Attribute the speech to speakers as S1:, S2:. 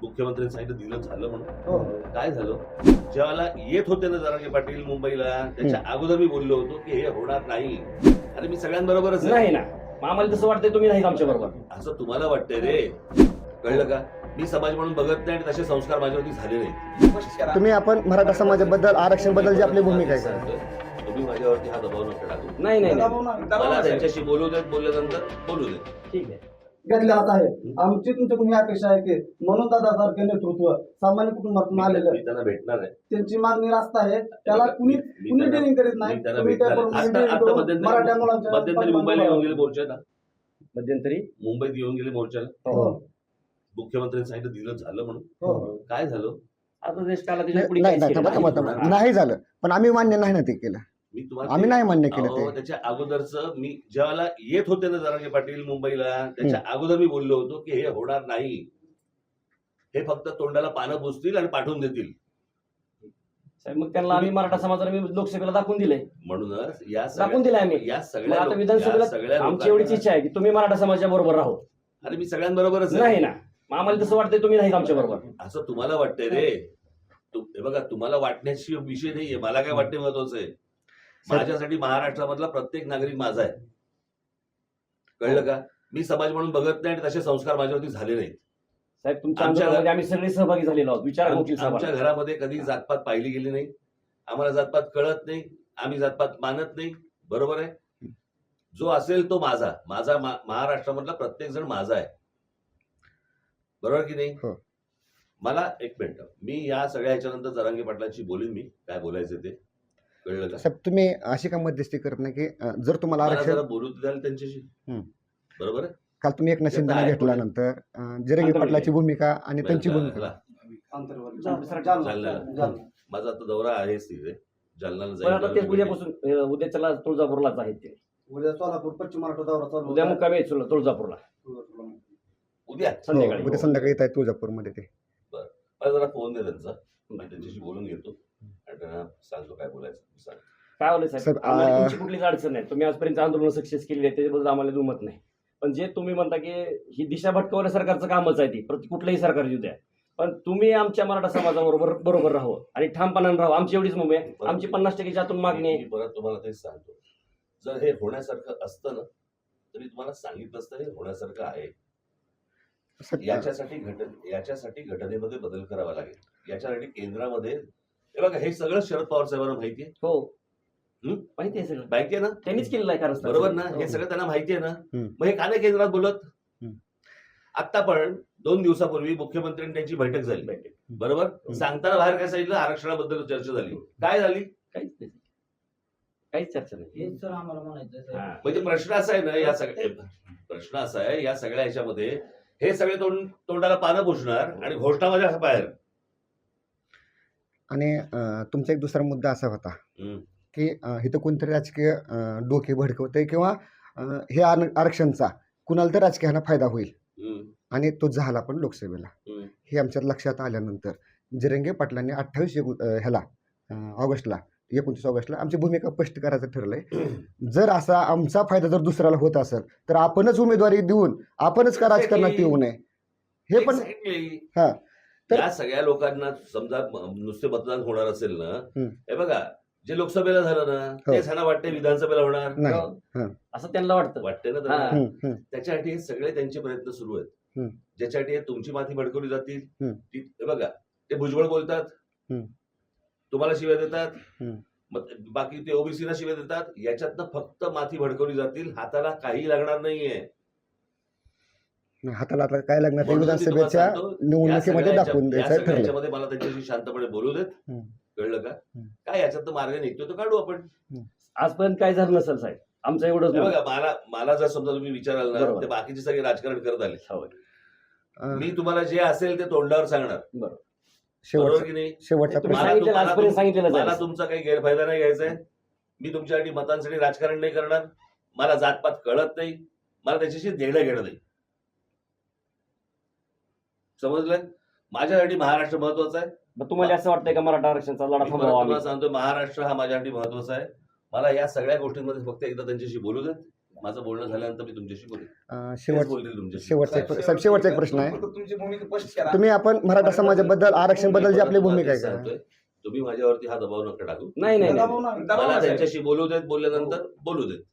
S1: मुख्यमंत्र्यांनी सांगितलं दिलं झालं म्हणून.
S2: हो.
S1: काय झालं? ज्यावेळेला येत होते ना जरांगे पाटील मुंबईला, त्याच्या अगोदर मी बोललो होतो की हे होणार नाही. अरे मी सगळ्यांबरोबरच आहे.
S3: नाही ना, मग आम्हाला तसं वाटतंय तुम्ही नाही आमच्या बरोबर.
S1: असं तुम्हाला वाटतंय रे, कळलं का? मी समाज म्हणून बघत नाही आणि तसे संस्कार माझ्यावरती झाले नाही.
S2: तुम्ही आपण मराठा समाजाबद्दल आरक्षण बद्दल जी आपली भूमिका आहे का?
S1: सांगतोय, तुम्ही माझ्यावरती हा दबाव नका टाकू.
S3: नाही नाही नाही.
S1: मला त्यांच्याशी बोलू देत, बोलल्यानंतर बोलू देत.
S3: ठीक आहे.
S4: घेतले जात आहे. आमची तुमच्याकडून ही अपेक्षा आहे की म्हणून दादासारखे नेतृत्व सामान्य कुटुंबातून आलेलं
S1: मी त्यांना भेटणार आहे.
S4: त्यांची मागणी रास्त आहे. त्याला कुणी ट्रेनिंग करीत नाही.
S1: मी त्यांना
S4: तुम्ही
S1: भेटणार
S4: त्याप्रमाणे
S1: आहे.
S4: training
S1: आता
S4: करून
S1: मध्यंतरी
S4: मराठा मुलांच्या
S1: मध्यंतरी मुंबईला येऊन गेले मोर्चाला.
S3: मध्यंतरी
S1: मुंबईत येऊन गेले मोर्चाला.
S4: हो.
S1: मुख्यमंत्र्यांनी सांगितलं दिलं झालं म्हणून.
S4: हो.
S1: काय झालं?
S3: आता देश काला त्याच्या पुढे
S2: नाही
S3: काहीच केलं
S2: नाही, थांबा,
S3: नाही.
S2: थांबा. नाही झालं, पण आम्ही मान्य नाही ना ते केलं.
S1: मी तुम्हाला
S2: आम्ही नाही मान्य केलं
S1: अहो,
S2: ते.
S1: त्याच्या अगोदरच मी ज्यावेळेला येत होते ना जरांगे पाटील मुंबईला, त्याच्या अगोदर मी बोललो होतो की हे होणार नाही. हे फक्त तोंडाला पानं पुसतील आणि पाठवून देतील.
S3: साहेब, मग त्यांना आम्ही मराठा समाजाला मी लोकसभेला दाखवून दिले,
S1: म्हणूनच या
S3: दाखवून दिले आम्ही.
S1: या
S3: मग
S1: सगळ्या
S3: आता
S1: लोक-
S3: विधानसभेला
S1: या सगळ्या
S3: आमची एवढीच
S1: लोकांना-
S3: इच्छा आहे की तुम्ही मराठा समाजाच्या बरोबर राहो.
S1: अरे मी सगळ्यांबरोबरच आहे.
S3: नाही ना, मग आम्हाला तसं वाटतंय तुम्ही नाही आमच्या बरोबर.
S1: असं तुम्हाला वाटतंय रे. हे बघा, तुम्हाला वाटण्याची विषय नाहीये. मला काय वाटते महत्वाचं आहे. माझ्यासाठी महाराष्ट्रामधला प्रत्येक नागरिक माझा आहे. कळलं का? मी समाज म्हणून बघत नाही आणि तसे संस्कार माझ्यावरती झाले नाहीत.
S3: साहेब, तुमच्या
S1: आमच्या
S3: आंदोलनामध्ये आम्ही सगळे सहभागी झालेलो आहोत. विचार गोष्टी
S1: आमच्या घरामध्ये कधी जातपात पाहिली गेली नाही. आम्हाला जातपात कळत नाही. आम्ही जातपात मानत नाही. बरोबर आहे. जो असेल तो माझा. माझा महाराष्ट्रामधला प्रत्येक जण माझा आहे. बरोबर की नाही?
S2: हो.
S1: मला एक मिनिट, मी या सगळ्या ह्याच्यानंतर जरांगे पाटलांशी बोलीन. मी काय बोलायचं ते. कळलं का?
S2: साहेब, तुम्ही अशी का मध्यस्थी करत नाही की जर तुम्हाला
S1: मला
S2: आरक्षण
S1: जरा बोलू द्याल त्यांच्याशी. बरोबर आहे.
S2: काल तुम्ही एक शिंदेना
S1: आहे.
S2: घेतल्यानंतर जिरंगी पाटलाची भूमिका आणि त्यांची भूमिका
S1: ह्याला-
S4: जालना.
S1: माझा आता दौरा आहेच तिथे. जालन्याला
S3: पण आता ते
S1: जाईल.
S3: उद्यापासून उद्याच्याला तुळजापूरलाच आहेत ते.
S4: उद्या सोलापूर पश्चिम महाराष्ट्र दौरा चालू
S3: उद्या
S4: होता.
S3: मुक्कामी आहे तुळजापूरला
S1: उद्या
S3: संध्याकाळी.
S2: उद्या संध्याकाळी येत आहे तुळजापूरमध्ये ते.
S1: मला जरा फोन दे त्यांचा. मी त्यांच्याशी बोलून घेतो आणि त्यांना सांगतो काय बोलायचं. सांग.
S3: काय होलं साहेब,
S2: साहेब,
S3: आम्हाला तुमची कुठलीच अडचण नाही. तुम्ही आजपर्यंत आंदोलन सक्सेस केली आहे, त्याच्याबद्दल आम्हाला दुमत नाही. पण जे तुम्ही म्हणता की ही दिशा भटकवण्या सरकारचं कामच आहे ती, कुठलंही सरकार येऊ द्या, पण तुम्ही आमच्या मराठा समाजाबरोबर राहावं आणि ठामपणाने राहावं. आमची एवढीच मुंबई आहे. आमची 50% आतून मागणी आहे.
S1: मी परत तुम्हाला तेच सांगतो. जर हे होण्यासारखं असतं ना तरी तुम्हाला सांगितलं असतं हे होण्यासारखं आहे. याच्यासाठी घटनेमध्ये बदल करावा लागेल. याच्यासाठी केंद्रामध्ये हे बघा, हे सगळं शरद पवार साहेबांना माहिती आहे.
S3: हो, माहिती आहे सगळं.
S1: माहिती आहे ना?
S3: त्यांनीच केलेलं आहे कारण
S1: बरोबर ना? हे सगळं त्यांना माहिती आहे ना? मग हे का नाही केंद्रात बोलत? आता पण 2 दिवसापूर्वी मुख्यमंत्र्यांनी त्यांची बैठक झाली. बरोबर. सांगताना बाहेर काय सांगितलं? आरक्षणाबद्दल चर्चा झाली. काय झाली?
S3: काहीच चर्चा नाही.
S5: हेच तर आम्हाला म्हणायचं आहे.
S1: म्हणजे प्रश्न असा आहे ना, प्रश्न असा आहे या सगळ्या ह्याच्यामध्ये हे सगळे तोंडाला पानं पुसणार आणि घोषणा माझ्या बाहेर.
S2: आणि तुमचा एक दुसरा मुद्दा असा होता की इथं कोणतरी राजकीय डोके भडकवतंय किंवा हे आरक्षणचा कुणाला तर राजकीयाला फायदा होईल आणि तो झाला पण लोकसभेला. हे आमच्या लक्षात आल्यानंतर जिरंगे पाटलांनी 28 ऑगस्टला 29 ऑगस्टला आमची भूमिका स्पष्ट करायचं ठरलंय. जर असा आमचा फायदा जर दुसऱ्याला होत असेल तर आपणच उमेदवारी देऊन आपणच का राजकारणात येऊ नये. हे पण हा तर
S1: या सगळ्या लोकांना समजा नुसते मतदान होणार असेल ना, हे बघा जे लोकसभेला झालं ना तेच ह्यांना वाटते विधानसभेला होणार
S2: नाही.
S3: असं त्यांना वाटतं.
S1: वाटते ना
S3: हा.
S1: त्यांना. त्याच्यासाठी हे सगळे त्यांचे प्रयत्न सुरू आहेत. ज्याच्यासाठी तुमची माती भडकवली जातील. हे बघा, ते भुजबळ बोलतात, तुम्हाला शिव्या देतात, बाकी ते ओबीसीला शिव्या देतात. याच्यातनं फक्त माती भडकवली जातील. हाताला काही लागणार नाहीये.
S2: हाताला आता काय लागणार ते विधानसभेच्या निवडणुकीमध्ये दाखवून द्यायचं ठरलं.
S1: याच्यामध्ये मला त्यांच्याशी शांतपणे बोलू देत. कळलं का? काय याच्यात मार्ग निघतो तो काढू आपण.
S3: आजपर्यंत काय झालं नसेल साहेब, आमचं एवढंच
S1: बघा, मला जर समजा तुम्ही विचाराल ना ते बाकीचे सगळे राजकारण करत आले. मी तुम्हाला जे असेल ते तोंडावर सांगणार. बरोबर की नाही?
S2: शेवटचा
S1: मला तुमचा काही गैरफायदा नाही घ्यायचा आहे. मी तुमच्यासाठी मतांसाठी राजकारण नाही करणार. मला जातपात कळत नाही. मला त्याच्याशी देणं घेणं नाही. समजलं? माझ्यासाठी महाराष्ट्र महत्वाचा आहे.
S3: तुम्हाला असं वाटतंय का मराठा आरक्षणाचा लढा थांबवा?
S1: तुम्हाला सांगतो, महाराष्ट्र हा माझ्यासाठी महत्वाचा आहे. मला या सगळ्या गोष्टींमध्ये फक्त एकदा त्यांच्याशी बोलू देत. माझं बोलणं झाल्यानंतर मी तुमच्याशी बोलेन. तेच
S2: शेवट
S1: बोलतील तुमच्याशी.
S2: शेवटचा एक प्रश्न आहे.
S5: फक्त तुमची भूमिका स्पष्ट करा.
S2: तुम्ही आपण मराठा समाजाबद्दल आरक्षण बद्दल जी आपली भूमिका आहे
S1: तेच
S2: का
S1: सांगतोय. तुम्ही माझ्यावरती हा दबाव नका टाकू.
S3: नाही नाही
S4: दबाव नाही.
S1: मला त्यांच्याशी बोलू देत, बोलल्यानंतर बोलू देत.